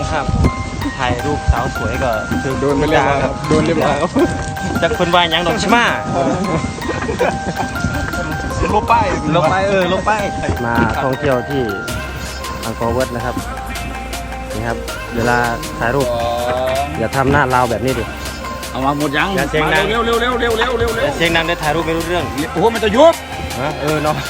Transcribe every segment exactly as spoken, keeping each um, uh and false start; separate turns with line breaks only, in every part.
นะครับถ่ายรูปสาวสวยก็คือ
โดนไปเรียบร้อยครับโดนเรียบร้อยครับ
จากคนวายยังดอกชิมา
ลบไป
ลงไปเออลงไปมาท่องเที่ยวที่อังกอร์เวิร์ดนะครับนี่ครับเวลาถ่ายรูปอย่าทำหน้าลาวแบบนี้ดิ
เอามาหมดยัง
อย่าเสียงดัง
เร็วเร็วเร็วเร็วเร็วเร็วเร็ว
เสียงดังได้ถ่ายรูปไม่รู้เรื่อง
โอ้โหมันจะยุบ
ฮะเออเนาะ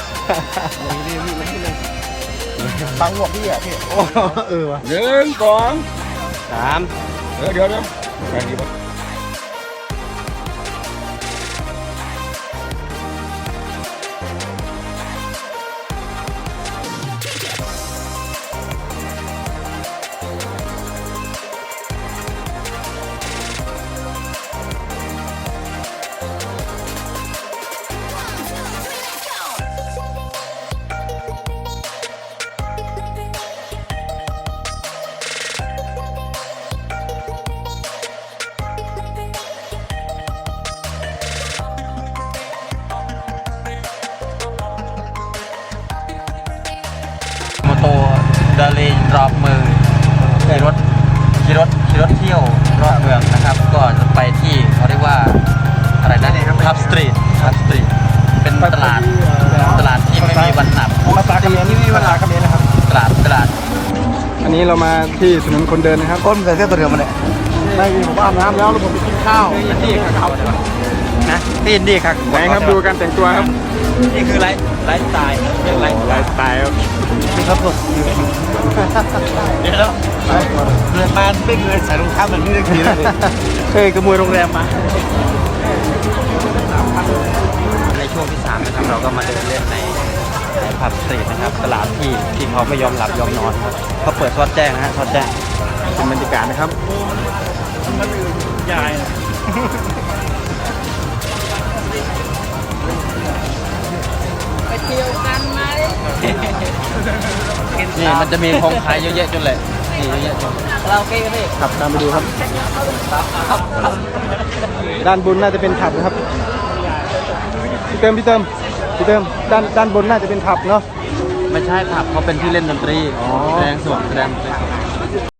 ตังหัวพี่อ่ะพี่
เออวะ
หนึ่งสอง
สาม
เดี๋ยวเดี๋ยวเดี๋ยวแรงดีปะ
โมโตดาเลนรอบมือขี่รถขี่รถขี่รถเที่ยวรอบเมืองนะครับก็จะไปที่เขาเรียกว่าอะไรนะทับสตรีททับสตรีทเป็นตลาดตลาดที่ไม่มีวันหนับ
ภาษาเขมรนี่เวลาเขมรนะครับ
ตลาดตลาด
อันนี้เรามาที่ถนนคนเดินนะครับต้นใส่เสื้อตัวเดิมมาเนี่ยไม่มีผมอาบน้ำแล้วแล้วผมไปกินข้าวนี่ครับ
นะที่อินดี้ครับ
ไหนครับดูการแต่งตัวครับ
นี่คือไลฟ์ไลฟ์สไตล์เรียกไลฟ์สไต
ไล
ล์
ฟ์สไตล์ครับ
ครับผมเดี๋ยวแล้วเกิดมาไม่เคยใส่รองเท้าแบบนี้เลยทีเลยเคยขโมยโรงแรมมาในช่วงที่สามนะครับเราก็มาเดินเล่นในในผับสตรีทนะครับตลาดที่ที่เขาไม่ยอมหลับยอมนอนครับเขาเปิดทอดแจ้งนะฮะทอดแจ้ง
เป็นบรรยากาศนะครับ
ยายไปเที่ยวกันไหมนี่มันจะมีของขายเยอะแยะจนเลยนี่เยอะแยะจนเราโอเคกันดิ
ขับตามไปดูครับ ด้านบนน่าจะเป็นผับนะครับพี่เติมพี่เติมพี่เติมด้านด้านบนน่าจะเป็นผับเนาะ
ไม่ใช่ผับเขาเป็นที่เล่นดนตรีแสดงสดแสดง